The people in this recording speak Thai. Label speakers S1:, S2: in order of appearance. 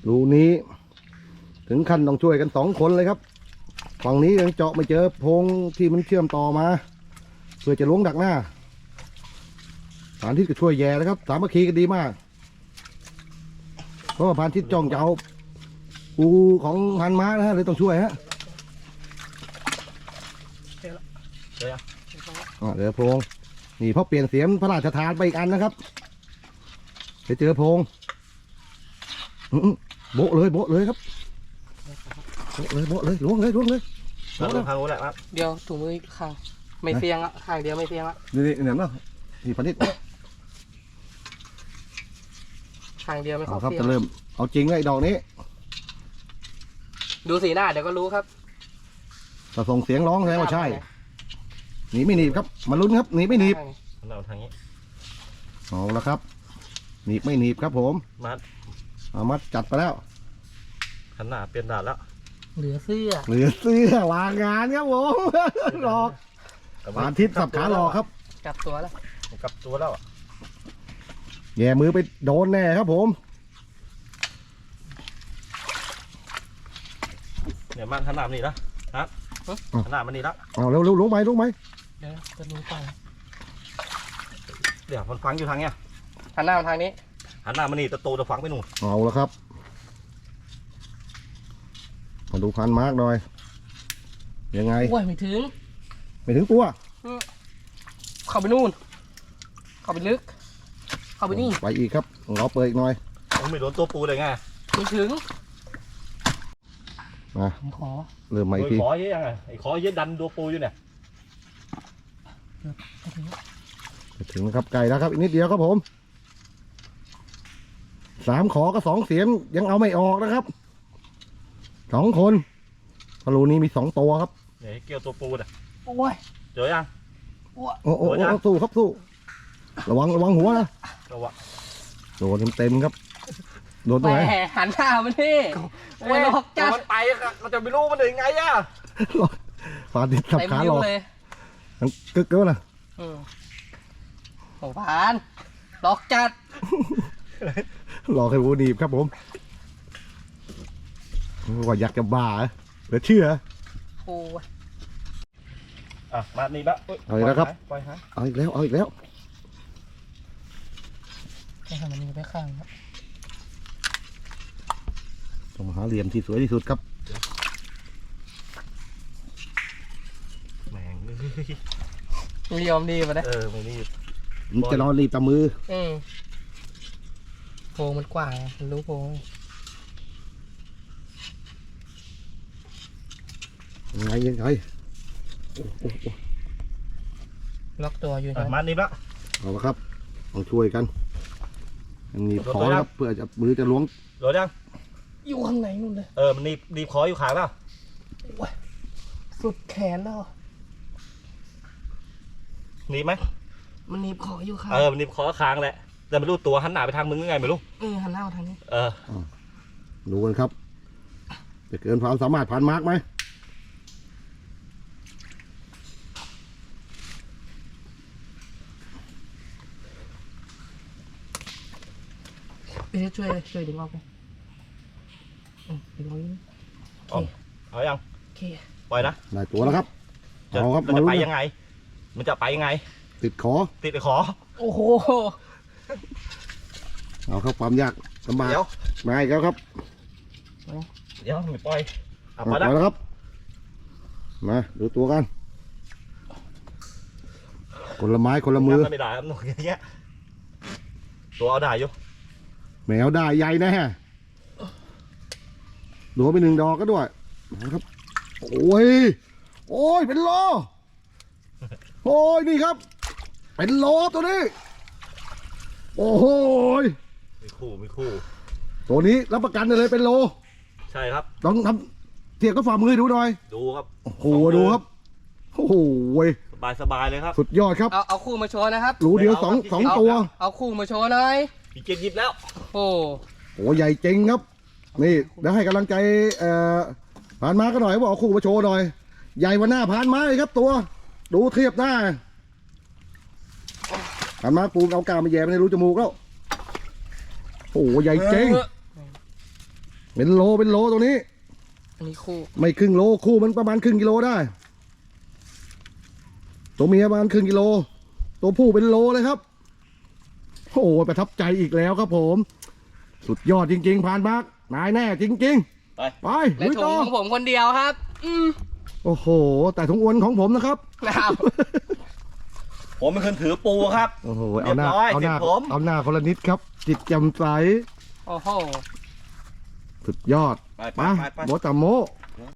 S1: รูนี้ถึงขั้นต้องช่วยกัน2 คนเลยครับฝั่งนี้ยังเจาะไม่เจอโพรงที่มันเชื่อมต่อมาเพื่อจะล้วงดักหน้าพานทิศก็ช่วยแย่แล้วครับสามัคคีกันดีมากเพราะว่าพานทิศจ้องจะเอาปูของพันม้านะฮะเลยต้องช่วยฮะเดี๋ยวโพรงนี่เพราะเปลี่ยนเสียมพระราชทานไปอีกอันนะครับจะเจอโพรงโบะเลยครับโบะเลยล้วงเลย
S2: ทางโน้นแหละครับ
S3: เดี๋ยวถุงมือข้างไม่เฟียงอ่ะข้างเดียวไม่เฟียงอ่ะ
S1: นี่เนี่ยเนาะนี่พันทิศ
S3: ข้างเดียวไม่
S1: เอา
S3: เข้า
S1: ครับ
S3: เฟีย
S1: จะ
S3: ง
S1: เริ่มเอาจริงเลยดอกนี้
S3: ดูสีหน้าเดี๋ยวก็รู้ครับ
S1: ถ้าส่งเสียงร้องแสดงว่าใช่หนีไม่หนีบครับมาลุ้นครับหนีไม่หนีบ
S2: เราทางนี้
S1: เอาละครับหนีบไม่หนีบครับผม
S2: มัด
S1: เอามัดจัดไปแล้ว
S2: ขันหน้าเปลี่ยนด่านแล้ว
S3: เหลือเสื้อ
S1: เหลือเสื้อวางงานครับผม หลอกพานทิศสับขาหลอกครับ
S3: กลับตัวแล้ว
S2: กลับตัวแล้ว
S1: แย่มือไปโดนแน่ครับผม
S2: เนี่ยมันขันหน้ามันนี่ละครับขันหน้ามันนี่ละ
S1: เอาเร็วลงไหม
S3: เดี๋ยวจะรู้ไป
S2: เดี๋ยวมันฟังอยู่ทางเนี้ย
S3: หันหน้ามาทางนี้
S2: หันหน้ามันนี่ตะโตจะฟังไปนู่น
S1: เอาละครับมาดูพันมาร์กหน่อยยังไง
S3: โอ้ยไม่ถึง
S1: ไม่ถึงตัว
S3: เข้าไปนู่นเข้าไปลึกเข้าไปนี่
S1: ไปอีกครับเราเปิดอีกหน่อย
S2: ผมไม่โดนตัวปูเลยไง
S3: ไม่ถึง
S1: มา
S3: ผมขอ
S1: เริ่มใหม่อีกที
S2: ขอเยอะยังไงไอ้ขอเยอะดันตัวปูอยู่เนี่ย
S1: ถึงนะครับไก่แล้วครับอีกนิดเดียวครับผม3 ขอก็2 เสียมยังเอาไม่ออกนะครับ2 คนพลูนี้มี2 ตัวครับ
S2: เนี่ยเกี่ยวตัวปูเนี่ย
S3: โอ้ย
S2: เจอยัง
S1: โอ้สู้ครับสู้ระวังหัวนะ
S2: ก็ว่า
S1: โดนเต็มครับโดนตรงไหน
S3: แหมหันหน้ามาที่โอ้ยหลอกจัด
S2: มันไปเราจะไม่รู้มันยังไงอ่ะ
S1: ฟาดิสับ
S3: เต็ม
S1: ขาห
S3: นิ้
S1: ล
S3: ว
S1: อก
S3: เลย
S1: กึกแล้วนะ
S3: โอ้ผ่านหลอกจัด
S1: หลอกให้วูดีบครับผมว่าอยากจะบ้าเหรือเชื่อ
S3: โอ้ย
S2: อ่ะมานี่ละ
S1: เอาอีกแล้วครับ
S2: ปล่อยฮะ
S1: เอาอีกแล้ว
S3: แค่ทำมันนี้ไปข้างครับ
S1: ต้องหาเหลี่ยมที่สวยที่สุดครับ
S2: แม่ง
S3: ไม่ยอมดีมาได้
S2: ไม่นี่
S1: มันจะนอนรีบตามือ
S3: โพรงมันกว้างมันรู้โพรง
S1: ยังไง
S3: ล็อกตัวอยู่
S2: อ่ะ
S3: นะ
S2: มานี่ละ
S1: เอาละครับต้องช่วยกันยังหนีบคอครับเพื่อจะมือจะล้วง
S2: โดนยัง
S3: อยู่ข้างในนู่นเลย
S2: มันนีบคออยู่ขางแล้ว
S3: โอ้ยสุดแขนแล้ว
S2: หนีบไหม
S3: มันหนีบคออยู่ข้าง
S2: มันนีบคอค้างแหละแต่ไม่รู้ตัวหันหน้าไปทางมึงยังไงไม่รู้
S3: หันหน้ามาทางนี้
S1: ดูกันครับจะเกินความสามารถผ่านมาร์กไหม
S3: ไปช่วยดึงออกไปดึงออกนี่โอเค
S2: เอายัง
S3: โอเค
S2: ปล่อยนะ
S1: ได้ตัวแล้วครับ
S2: จะ
S1: เอาครับ
S2: มัน
S1: มา
S2: จะ
S1: ลุ้
S2: ไป
S1: น
S2: ยังไง มันจะไปยังไง
S1: ติดคอ
S2: ติดไอ้ขอ
S3: โอ้โห
S1: เอาครับความยากลำบาก
S2: เดี๋ยว
S1: มาอีกแล้วครับ
S2: เดี๋ยวไม่ปล่อยเอา
S1: มา
S2: ไปนะ
S1: แล้วครับมาดูตัวกันคนละไม้คนละมือ
S2: ไม่ได้ครับหนูอย่างเงี้ยตัวเอาได้อยู่
S1: แมวได้ใหญ่แน่โดนไป1 ดอกก็ด้วยนะครับโอ้ยเป็นโลโอ้ยนี่ครับ เป็นโลตัวนี้โอ้โห
S2: มีคู่
S1: ตัวนี้รับประกันได้เลยเป็นโล
S2: ใช่ครับ
S1: ต้องทำเทียบกับฝ่ามือให้ดูหน่อย
S2: ดูครับ
S1: โอ้โหดูครับโอ้โห
S2: สบายเลยครับ
S1: สุดยอดครับ
S3: เอาคู่มาโชว์นะครับ
S1: รูเดียวสองตัว
S3: เอาคู่มาโชว์หน่อย
S2: พี่เจ็ดหยิบแล้ว
S3: โอ้
S1: โอ้ใหญ่จริงครับนี่เดี๋ยวให้กำลังใจผ่านมาก็หน่อยบอกเอาคู่มาโชว์หน่อยใหญ่กว่าหน้าผ่านมาเลยครับตัวดูเทียบหน้าผ่านมาปูเอากาวมาแย่ไปในรูจมูกแล้วโอ้ใหญ่จริงเป็นโลตัวนี้
S3: อันนี้คู่
S1: ไม่ครึ่งโลคู่มันประมาณครึ่งกิโลได้ ตัวเมียประมาณครึ่งกิโล ตัวผู้เป็นโลเลยครับโอ้โหประทับใจอีกแล้วครับผม สุดยอดจริงๆพานบักนายแน่จริงๆไป
S3: และ
S1: ลุย
S3: ถุ
S1: ต่
S3: ง
S1: อ
S3: ของผมคนเดียวครับ
S1: โอ้โห แต่ถุงอวนของผมนะครับ
S3: นะครับ
S2: ผมเป็นคนถือปูครับ
S1: โอ้โหเอาหน้า
S2: เรียบร้อย
S1: เอาหน้า
S2: เสร็จผม
S1: เอาหน้าคนละนิดครับ จิตแจ่มใส
S3: โอ้โห
S1: สุดยอด
S2: ไป
S1: มาโบตามโม